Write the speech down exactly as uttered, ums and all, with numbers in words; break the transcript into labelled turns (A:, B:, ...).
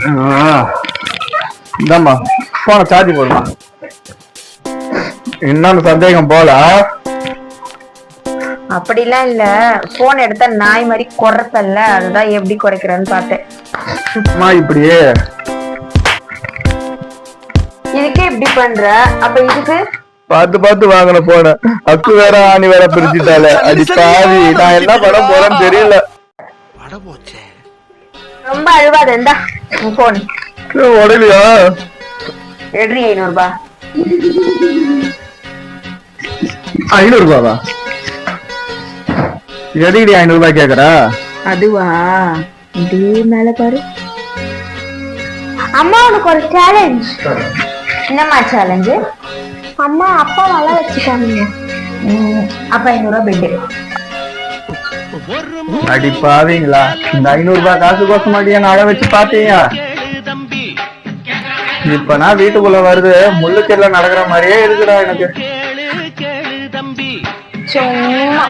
A: இந்தாம்மா போன சார்ஜ் போடுமா. இன்னொன்னு சந்தேகம் போல.
B: அப்படிலாம் இல்ல, போன் எடுத்தா நாய் மாதிரி குறைப்பல்ல, அதுதான் எப்படி குறைக்கிறேன்னு பார்த்தேன்.
A: இப்படியே
B: இதுக்கே இப்படி பண்ற, அப்ப இதுக்கு
A: பார்த்து பார்த்து வாங்கின போன அக்கு வேற ஆணி வேற பிரிச்சுட்டால. அடி பாவி, நான் என்ன பண்ண போறேன்னு தெரியல.
B: ரொம்ப அழுவாத, இருந்தா போன்
A: உடலையா
B: எட்ரி ஐநூறு ரூபாய்.
A: ஐநூறு ரூபாவா? எதுக்கடி ஐநூறு ரூபாய் கேக்குறா?
B: அதுவா, இதே மேல பாரு. அம்மா உனக்கு ஒரு சேலஞ்ச். என்னம்மா சேலஞ்சு? அம்மா அப்பா வள வச்சுட்டாங்க. அப்ப ஐநூறு ரூபாய் பெட்டு.
A: அடி பாவீங்களா, இந்த ஐநூறு ரூபாய் காசு கோசம் மாட்டியா நகை வச்சு பாத்தீங்க. இப்ப நான் வீட்டுக்குள்ள வருது முள்ளுக்கெல்லாம் நடக்கிற மாதிரியே இருக்குடா எனக்கு.
B: சும்மா